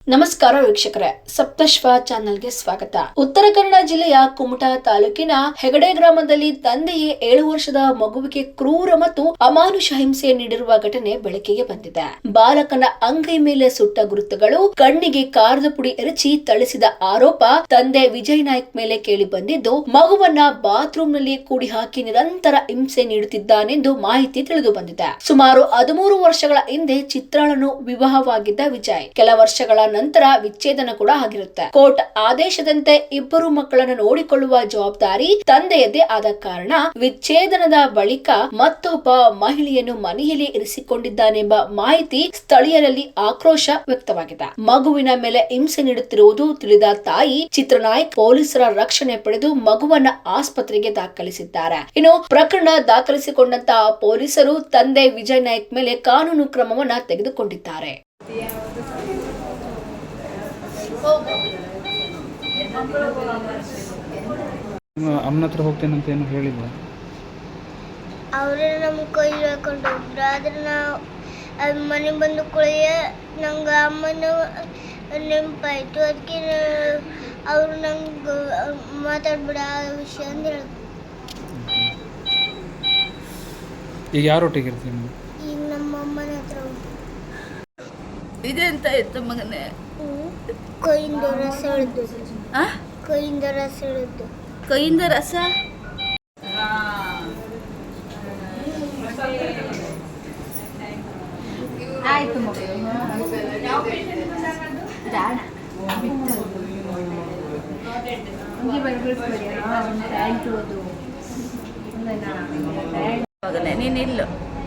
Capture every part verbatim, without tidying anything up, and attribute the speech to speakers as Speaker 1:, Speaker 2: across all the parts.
Speaker 1: ನಮಸ್ಕಾರ ವೀಕ್ಷಕರೇ, ಸಪ್ತಶ್ವ ಚಾನೆಲ್ಗೆ ಸ್ವಾಗತ. ಉತ್ತರ ಕನ್ನಡ ಜಿಲ್ಲೆಯ ಕುಮಟಾ ತಾಲೂಕಿನ ಹೆಗಡೆ ಗ್ರಾಮದಲ್ಲಿ ತಂದೆಯೇ ಏಳು ವರ್ಷದ ಮಗುವಿಗೆ ಕ್ರೂರ ಮತ್ತು ಅಮಾನುಷ ಹಿಂಸೆ ನೀಡಿರುವ ಘಟನೆ ಬೆಳಕಿಗೆ ಬಂದಿದೆ. ಬಾಲಕನ ಅಂಗೈ ಮೇಲೆ ಸುಟ್ಟ ಗುರುತುಗಳು, ಕಣ್ಣಿಗೆ ಕಾರದ ಪುಡಿ ಎರಚಿ ಥಳಿಸಿದ ಆರೋಪ ತಂದೆ ವಿಜಯ್ ನಾಯ್ಕ್ ಮೇಲೆ ಕೇಳಿ ಬಂದಿದ್ದು, ಮಗುವನ್ನ ಬಾತ್ರೂಮ್ ನಲ್ಲಿ ಕೂಡಿ ಹಾಕಿ ನಿರಂತರ ಹಿಂಸೆ ನೀಡುತ್ತಿದ್ದಾನೆಂದು ಮಾಹಿತಿ ತಿಳಿದು ಬಂದಿದೆ. ಸುಮಾರು ಹದಿಮೂರು ವರ್ಷಗಳ ಹಿಂದೆ ಚಿತ್ರಾಳನು ವಿವಾಹವಾಗಿದ್ದ ವಿಜಯ್ ಕೆಲ ವರ್ಷಗಳ ನಂತರ ವಿಚ್ಛೇದನ ಕೂಡ ಆಗಿರುತ್ತೆ. ಕೋರ್ಟ್ ಆದೇಶದಂತೆ ಇಬ್ಬರು ಮಕ್ಕಳನ್ನು ನೋಡಿಕೊಳ್ಳುವ ಜವಾಬ್ದಾರಿ ತಂದೆಯದೇ ಆದ ಕಾರಣ ವಿಚ್ಛೇದನದ ಬಳಿಕ ಮತ್ತೊಬ್ಬ ಮಹಿಳೆಯನ್ನು ಮನೆಯಲ್ಲಿ ಇರಿಸಿಕೊಂಡಿದ್ದಾನೆಂಬ ಮಾಹಿತಿ ಸ್ಥಳೀಯರಲ್ಲಿ ಆಕ್ರೋಶ ವ್ಯಕ್ತವಾಗಿದೆ. ಮಗುವಿನ ಮೇಲೆ ಹಿಂಸೆ ನೀಡುತ್ತಿರುವುದು ತಿಳಿದ ತಾಯಿ ಚಿತ್ರನಾಯ್ಕ್ ಪೊಲೀಸರ ರಕ್ಷಣೆ ಪಡೆದು ಮಗುವನ್ನ ಆಸ್ಪತ್ರೆಗೆ ದಾಖಲಿಸಿದ್ದಾರೆ. ಇನ್ನು ಪ್ರಕರಣ ದಾಖಲಿಸಿಕೊಂಡಂತಹ ಪೊಲೀಸರು ತಂದೆ ವಿಜಯ್ ನಾಯ್ಕ್ ಮೇಲೆ ಕಾನೂನು ಕ್ರಮವನ್ನ ತೆಗೆದುಕೊಂಡಿದ್ದಾರೆ.
Speaker 2: ಅಮ್ಮನ ಹತ್ರ ಹೋಗ್ತೇನೆ ಅಂತ ಏನು ಹೇಳಿಲ್ಲ.
Speaker 3: ಅವರೇ ನಮ್ಮ ಕೈ ಹಾಕೊಂಡು ಹೋಗ್ರು. ಆದ್ರೆ ನಾವು ಮನೆಗೆ ಬಂದು ಕುಳಿಯ ನಂಗೆ ಅಮ್ಮನ ನೆನಪಾಯಿತು. ಅದಕ್ಕೆ ಅವರು ನಂಗೆ ಮಾತಾಡ್ಬಿಡ ಆ ವಿಷಯ ಅಂತ ಹೇಳಿದ್ರು.
Speaker 2: ಈಗ ಯಾರೊಟ್ಟಿಗೆ ಇರ್ತೀನಿ?
Speaker 3: ಈಗ ನಮ್ಮ ಅಮ್ಮನ ಹತ್ರ ಹೋಗಿ
Speaker 4: ಇದೆ ಅಂತ ಇತ್ತು ಮಗನೇ.
Speaker 3: ಕೈಯಿಂದ ರಸ ಎಳೆದು ಕೈಯಿಂದ ರಸ ಎಳೆದು
Speaker 4: ಕೈಯಿಂದ ರಸ ಆಯ್ತು ಮಗನೇ, ನೀನಿಲ್ಲ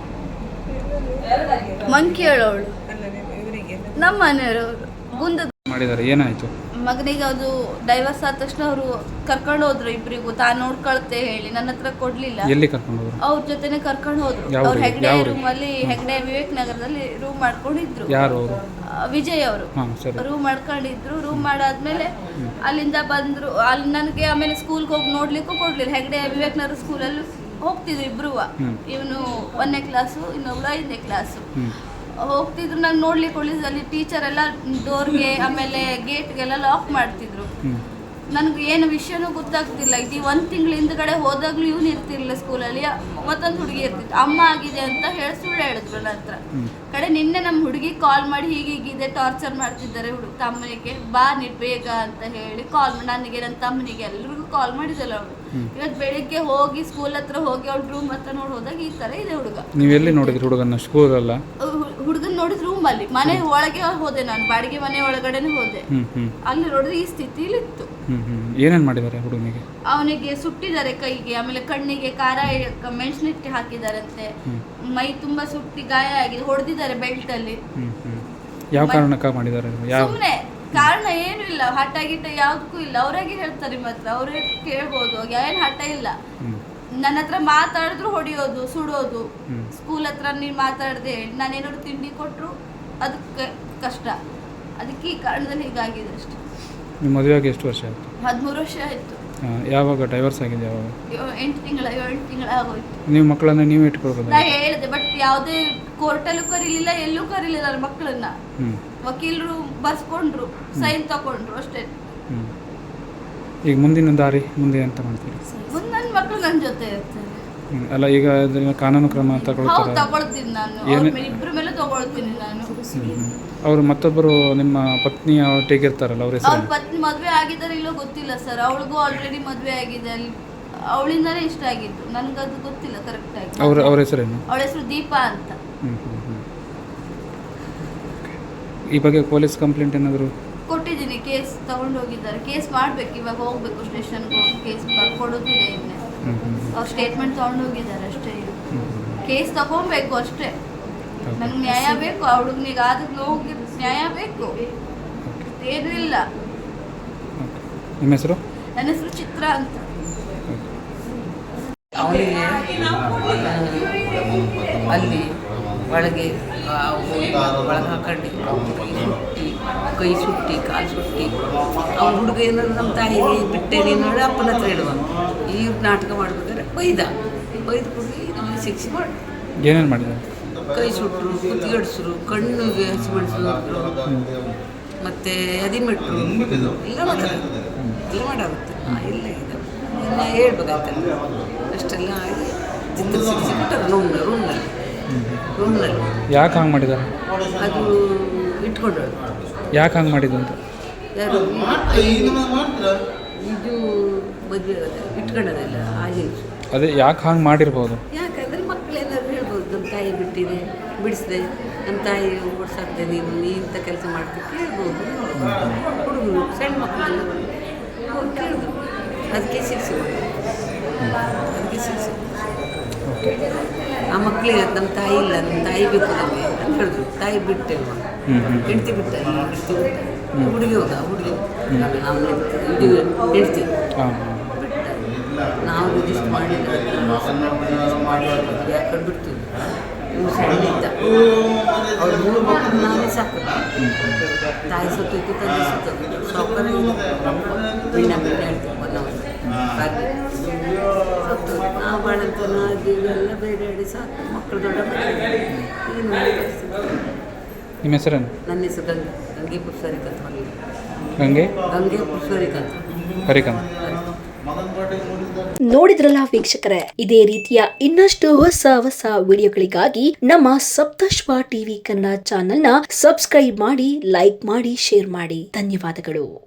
Speaker 4: ಮಂಕಿ ಹೇಳೋಳು ನಮ್ಮ ಮನೆಯವರು ಗುಂದ
Speaker 2: ಮಾಡಿದ್ದಾರೆ. ಏನಾಯ್ತು
Speaker 4: ಮಗನಿಗೆ? ಅದು ಡೈವರ್ಸ್ ಆದ ತಕ್ಷಣ ಅವರು ಕರ್ಕೊಂಡು ಹೋದ್ರು ಇಬ್ಬರಿಗೂ. ತಾನು ನೋಡ್ಕೊಳ್ತೆ ಹೇಳಿ ನನ್ನ ಹತ್ರ ಕೊಡ್ಲಿಲ್ಲ.
Speaker 2: ಎಲ್ಲಿ ಕರ್ಕೊಂಡು ಹೋದ್ರು?
Speaker 4: ಅವ್ರ ಜೊತೆನೆ ಕರ್ಕೊಂಡು ಹೋದ್ರು. ಅವ್ರ ಹೆಗ್ಡೆ ರೂಮ್ ಅಲ್ಲಿ, ಹೆಗ್ಡೆ ವಿವೇಕ್ ನಗರದಲ್ಲಿ ರೂಮ್ ಮಾಡ್ಕೊಂಡಿದ್ರು.
Speaker 2: ಯಾರು ಅವರು?
Speaker 4: ವಿಜಯ್ ಅವರು ರೂಮ್ ಮಾಡ್ಕೊಂಡಿದ್ರು. ರೂಮ್ ಮಾಡಾದ್ಮೇಲೆ ಅಲ್ಲಿಂದ ಬಂದ್ರು. ಅಲ್ಲಿ ನನಗೆ ಆಮೇಲೆ ಸ್ಕೂಲ್ಗೆ ಹೋಗಿ ನೋಡ್ಲಿಕ್ಕೂ ಕೊಡ್ಲಿಲ್ಲ. ಹೆಗ್ಡೆ ವಿವೇಕ್ ನಗರ ಸ್ಕೂಲಲ್ಲಿ ಹೋಗ್ತಿದ್ರು ಇಬ್ರು. ಇವನು ಒಂದನೇ ಕ್ಲಾಸು, ಇನ್ನೊಬ್ಳು ಐದನೇ ಕ್ಲಾಸು. ಹೋಗ್ತಿದ್ರು. ನಂಗೆ ನೋಡ್ಲಿಕ್ಕೆ ಒಳ್ಳೆ ಅಲ್ಲಿ ಟೀಚರ್ ಎಲ್ಲ ಡೋರ್ಗೆ ಆಮೇಲೆ ಗೇಟ್ಗೆಲ್ಲ ಲಾಕ್ ಮಾಡ್ತಿದ್ರು. ನನಗೆ ಏನು ವಿಷಯನೂ ಗೊತ್ತಾಗ್ತಿಲ್ಲ. ಇದು ಒಂದು ತಿಂಗಳ ಹಿಂದ್ಗಡೆ ಹೋದಾಗ್ಲೂ ಇವನು ಇರ್ತಿರ್ಲಿಲ್ಲ ಸ್ಕೂಲಲ್ಲಿ. ಮತ್ತೊಂದು ಹುಡುಗಿ ಇರ್ತಿತ್ತು. ಅಮ್ಮ ಆಗಿದೆ ಅಂತ ಹೇಳಿ ಸುಳ್ಳು ಹೇಳಿದ್ರು ನನ್ನ ಹತ್ರ. ಕಡೆ ನಿನ್ನೆ ನಮ್ಮ ಹುಡುಗಿ ಕಾಲ್ ಮಾಡಿ ಹೀಗೀಗಿದೆ, ಟಾರ್ಚರ್ ಮಾಡ್ತಿದ್ದಾರೆ ಹುಡುಗ ತಮ್ಮನಿಗೆ, ಬಾ ನೀ ಬೇಗ ಅಂತ ಹೇಳಿ ಕಾಲ್ ಮಾಡಿ ನನಗೆ, ನನ್ನ ತಮ್ಮನಿಗೆ ಎಲ್ರಿಗೂ ಕಾಲ್ ಮಾಡಿದಲ್ಲ ಅವಳು. ಇವತ್ತು ಬೆಳಿಗ್ಗೆ ಹೋಗಿ ಸ್ಕೂಲ್ ಹತ್ರ ಹೋಗಿ ಅವ್ಳ ರೂಮ್ ಹತ್ರ ನೋಡಿ ಹೋದಾಗ ಈ ತರ ಇದೆ ಹುಡುಗ.
Speaker 2: ನೀವೆಲ್ಲಿ ನೋಡಿದ್ರಿ ಹುಡುಗನ? ಸ್ಕೂಲ್ ಅಲ್ಲ,
Speaker 4: ಹುಡುಗನ್ ನೋಡಿದ್ ರೂಮ್ ಅಲ್ಲಿ. ಮನೆ ಒಳಗೆ ಹೋದೆ ನಾನು, ಬಾಡಿಗೆ ಮನೆ ಒಳಗಡೆನೆ ಹೋದೆ. ಅಲ್ಲಿ ನೋಡಿದ್ರೆ ಈ ಸ್ಥಿತಿಲಿ ಇತ್ತು.
Speaker 2: ಏನೇನ್ ಮಾಡಿದ್ದಾರೆ ಹುಡುಗನಿಗೆ?
Speaker 4: ಅವನಿಗೆ ಸುಟ್ಟಿದ್ದಾರೆ ಕೈಗೆ, ಆಮೇಲೆ ಕಣ್ಣಿಗೆ ಖಾರ ಮೆಣಸಿನಿಟ್ಟು ಹಾಕಿದಾರಂತೆ. ಮೈ ತುಂಬಾ ಸುಟ್ಟಿ ಗಾಯ ಆಗಿದೆ, ಹೊಡೆದಿದ್ದಾರೆ ಬೆಲ್ಟ್ ಅಲ್ಲಿ.
Speaker 2: ಯಾವ ಕಾರಣಕ್ಕೆ ಮಾಡಿದ್ದಾರೆ?
Speaker 4: ಸುಮ್ನೆ ಕಾರಣ ಏನು ಇಲ್ಲ, ಹಠ ಗಿಟ್ಟ ಯಾವ್ದಕ್ಕೂ ಇಲ್ಲ. ಅವ್ರಾಗೆ ಹೇಳ್ತಾರೆ, ಮಾತ್ರ ಅವ್ರೇ ಕೇಳ್ಬೋದು. ಏನ್ ಹಠ ಇಲ್ಲ. ನನ್ನ ಹತ್ರ ಮಾತಾಡಿದ್ರು ಹೊಡಿಯೋದು, ಸುಡೋದು. ಸ್ಕೂಲ್ ಹತ್ರ ನೀನ್ ಮಾತಾಡದೆ ಹೇಳಿ ನಾನೇನಾದ್ರು ತಿಂಡಿ ಕೊಟ್ರು ಅದಕ್ಕೆ ಕಷ್ಟ. ಅದಕ್ಕೆ ಈ ಕಾರಣದಲ್ಲಿ ಹೀಗಾಗಿದೆ ಅಷ್ಟೇ.
Speaker 2: ನಿಮ್ಮ ಮದುವೆ ಆಗಿ ಎಷ್ಟು ವರ್ಷ ಆಯ್ತು?
Speaker 4: ಹದಿಮೂರು ವರ್ಷ ಆಯ್ತು.
Speaker 2: ಯಾವಾಗ ಡೈವರ್ಸ್ ಆಗಿದೆ? ಯಾವಾಗ?
Speaker 4: ಎಂಟು ತಿಂಗಳ ಏಳು ತಿಂಗಳ ಆಗೋಯ್ತು.
Speaker 2: ನೀವು ಮಕ್ಕಳನ್ನ ನೀವು ಇಟ್ಕೊಳ್ಬೋದು?
Speaker 4: ನಾ ಹೇಳಿದೆ, ಬಟ್ ಯಾವುದೇ ಕೋರ್ಟಲ್ಲೂ ಕರೀಲಿಲ್ಲ, ಎಲ್ಲೂ ಕರೀಲಿಲ್ಲ ನನ್ನ ಮಕ್ಕಳನ್ನ. ವಕೀಲರು ಬರ್ಸ್ಕೊಂಡ್ರು, ಸೈನ್ ತಗೊಂಡ್ರು ಅಷ್ಟೇ.
Speaker 2: ಈಗ ಮುಂದಿನ ದಾರಿ ಮುಂದೆ ಅಂತ ಮಾಡ್ತೀರಿ?
Speaker 4: ಮುಂದೆ ನನ್ನ ಮಕ್ಕಳು ನನ್ನ ಜೊತೆ ಇರ್ತಾರೆ.
Speaker 2: ಅಲ್ಲ, ಈಗ ಕಾನೂನು ಕ್ರಮ ತಗೊಳ್ತಾರೆ?
Speaker 4: ತಗೊಳ್ತೀನಿ ನಾನು, ಇಬ್ಬರ ಮೇಲೆ ತಗೊಳ್ತೀನಿ ನಾನು.
Speaker 2: ಅವರು ಮತ್ತೊಬ್ಬರು ನಿಮ್ಮ ಪತ್ನಿ ಒಟ್ಟಿಗೆ ಇರ್ತಾರಲ್ಲ, ಅವ್ರ
Speaker 4: ಅವ್ರ ಪತ್ನಿ ಮದುವೆ ಆಗಿದ್ದಾರೆ ಇಲ್ಲೋ ಗೊತ್ತಿಲ್ಲ ಸರ್. ಅವಳಿಗೂ ಆಲ್ರೆಡಿ ಮದುವೆ ಆಗಿದೆ. ಅಲ್ಲಿ ಅವಳಿಂದಾನೇ ಇಷ್ಟ ಆಗಿದ್ದು, ನನ್ಗದು ಗೊತ್ತಿಲ್ಲ ಕರೆಕ್ಟ್ ಆಗಿ.
Speaker 2: ಅವ್ರ ಅವ್ರ ಹೆಸರೇನು?
Speaker 4: ಅವಳ ಹೆಸರು ದೀಪಾ ಅಂತ.
Speaker 2: ಈ ಬಗ್ಗೆ ಪೊಲೀಸ್ ಕಂಪ್ಲೇಂಟ್ ಏನಾದರೂ
Speaker 4: ಕೊಟ್ಟಿದ್ದೀನಿ. ಕೇಸ್ ತಗೊಂಡು ಹೋಗಿದ್ದಾರೆ. ಕೇಸ್ ಮಾಡ್ಬೇಕು, ಇವಾಗ ಹೋಗ್ಬೇಕು ಸ್ಟೇಷನ್ಗೆ ಹೋಗಿ ಕೇಸ್ ಬರ್ಕೊಡೋದಿದೆ. ಇನ್ನೇ ಅವ್ರು ಸ್ಟೇಟ್ಮೆಂಟ್ ತಗೊಂಡು ಹೋಗಿದ್ದಾರೆ ಅಷ್ಟೇ. ಕೇಸ್ ತಗೊಬೇಕು ಅಷ್ಟೇ. ನಂಗೆ ನ್ಯಾಯ ಬೇಕು. ಆ ಹುಡುಗನಿಗೆ ಆದ ನೋವಿಗೆ ನ್ಯಾಯ ಬೇಕು, ಏನೂ ಇಲ್ಲ.
Speaker 2: ನಿಮ್ಮ ಹೆಸರು?
Speaker 4: ನನ್ನ ಹೆಸರು ಚಿತ್ರ ಅಂತ.
Speaker 5: ಅವಳಿಗೆ ಅಲ್ಲಿ ಒಳಗೆ ಒಳಗೆ ಹಾಕೊಂಡು ಸುಟ್ಟಿ, ಕೈ ಸುಟ್ಟಿ, ಕಾಲು ಸುಟ್ಟಿ. ಅವ್ನ ಹುಡುಗ ಏನಾದ್ರು ನಮ್ಮ ತಾಯಿಗೆ ಬಿಟ್ಟೇನೆ ನೋಡಿ ಅಪ್ಪನ ಹತ್ರ ಇಡುವ. ಈ ನಾಟಕ ಮಾಡ್ಬೇಕಾದ್ರೆ ಬೈದ ಬೈದು ಕೊಡಿ ನಮಗೆ ಶಿಕ್ಷೆ ಮಾಡಿ.
Speaker 2: ಏನೇನು ಮಾಡಿದ್ದಾರೆ?
Speaker 5: ಕೈ ಸುಟ್ಟರು, ಕುತ್ತಿಗೆಡ್ಸರು, ಕಣ್ಣಿಗೆ ಹಸಿಮೆಣಸು ಮತ್ತು ಅದಿಮೆಟ್ರು ಎಲ್ಲ ಮಾಡ್ತಾರೆ ಎಲ್ಲ ಮಾಡಾಗುತ್ತೆ ಇಲ್ಲ ಇದು ಎಲ್ಲ ಹೇಳ್ಬೇಕಾಗ್ತದೆ ಅಷ್ಟೆಲ್ಲ ಆಗಿ ಚಿತ್ರ ಸಿಕ್ಸಿ ಬಿಟ್ಟರು ರೂಮ್ನ ರೂಮ್ನಲ್ಲಿ ರೂಮ್ನಲ್ಲಿ
Speaker 2: ಯಾಕೆ ಹಂಗೆ ಮಾಡಿದ್ದಾರೆ?
Speaker 5: ಅದು ಇಟ್ಕೊಂಡಳು.
Speaker 2: ಯಾಕೆ ಹಂಗೆ ಮಾಡಿದ್ದು ಅಂತ?
Speaker 5: ಯಾರು ಇದು ಮದುವೆ ಇಟ್ಕೊಳ್ಳೋದಿಲ್ಲ ಆ ಹೆಂಗಸು.
Speaker 2: ಅದೇ ಯಾಕೆ ಹಂಗೆ ಮಾಡಿರ್ಬೋದು?
Speaker 5: ಯಾಕಂದರೆ ಮಕ್ಕಳೆಲ್ಲರೂ ಹೇಳ್ಬೋದು ನಮ್ಮ ತಾಯಿ ಬಿಟ್ಟಿದೆ ಬಿಡಿಸಿದೆ ನಮ್ಮ ತಾಯಿ ಓಡಿಸಾಕ್ದೆ ನೀನು ನೀ ಇಂಥ ಕೆಲಸ ಮಾಡ್ತೀವಿ ಕೇಳ್ಬೋದು. ಹುಡುಗರು ಸಣ್ಣ ಮಕ್ಕಳೆಲ್ಲ ಅವ್ರು ಕೇಳಿದ್ರು ಅದಕ್ಕೆ ಶಿಕ್ಷೆ ಅದಕ್ಕೆ ಶಿಕ್ಷೆ ಆ ಮಕ್ಕಳಿಗೆ ನಮ್ಮ ತಾಯಿ ಇಲ್ಲ ನಮ್ಮ ತಾಯಿ ಬೇಕು ನಮಗೆ ಅಂತ ಹೇಳಿದ್ರು. ತಾಯಿ ಬಿಟ್ಟೆಲ್ವ ಹೆಂಡ್ತಿ ಬಿಟ್ಟ ಹೆಂಡ್ತಿ ಬಿಟ್ಟ ಹುಡುಗಿ ಹೋದ ಹುಡುಗಿ ನಾವು ಇದು ಹೆಂಡ್ತಿ ನಾವು ರಿಜಿಸ್ಟ್ ಮಾಡಿಲ್ಲ ಮಾಡಿ ಯಾಕಂಡು ಬಿಡ್ತೀವಿ. ಇವ್ರು ಸಣ್ಣ ಇದ್ದ ಅವ್ರು ಮೂರು ಮಕ್ಕಳು ನಾನೇ ಸಾಕು. ತಾಯಿ ಸತ್ತೋಯ್ತು ತಂದೆ ಸತ್ತೋದು ಸಾವುಕಾರ ಮೀನ ಮೀನ ಹೇಳ್ತೀವಿ ಒನ್ನವರು ಹಾಗೆ ಸತ್ತು ನಾವು ಬಾಳಂತ ಅದೆಲ್ಲ ಬೇಡಾಡಿ ಸಾಕು ಮಕ್ಕಳು ದೊಡ್ಡ ಏನು
Speaker 2: ನಿಮ್ಮ ಹೆಸರೇನು?
Speaker 5: ನನ್ನ ಹೆಸರು ಗಂಗೆ ಗಂಗೆ ಪುಷ್ಪರಿಕಂತ ಹೊರಗೆ
Speaker 2: ಗಂಗೆ
Speaker 5: ಗಂಗೆ ಪುಷ್ಪರಿಕಂತ
Speaker 2: ಹರಿಕಂತ್.
Speaker 1: ನೋಡಿದ್ರಲ್ಲ ವೀಕ್ಷಕರೇ, ಇದೇ ರೀತಿಯ ಇನ್ನಷ್ಟು ಹೊಸ ಹೊಸ ವಿಡಿಯೋಗಳಿಗಾಗಿ ನಮ್ಮ ಸಪ್ತಶ್ವ ಟಿವಿ ಕನ್ನಡ ಚಾನೆಲ್ನ ಸಬ್ಸ್ಕ್ರೈಬ್ ಮಾಡಿ, ಲೈಕ್ ಮಾಡಿ, ಶೇರ್ ಮಾಡಿ. ಧನ್ಯವಾದಗಳು.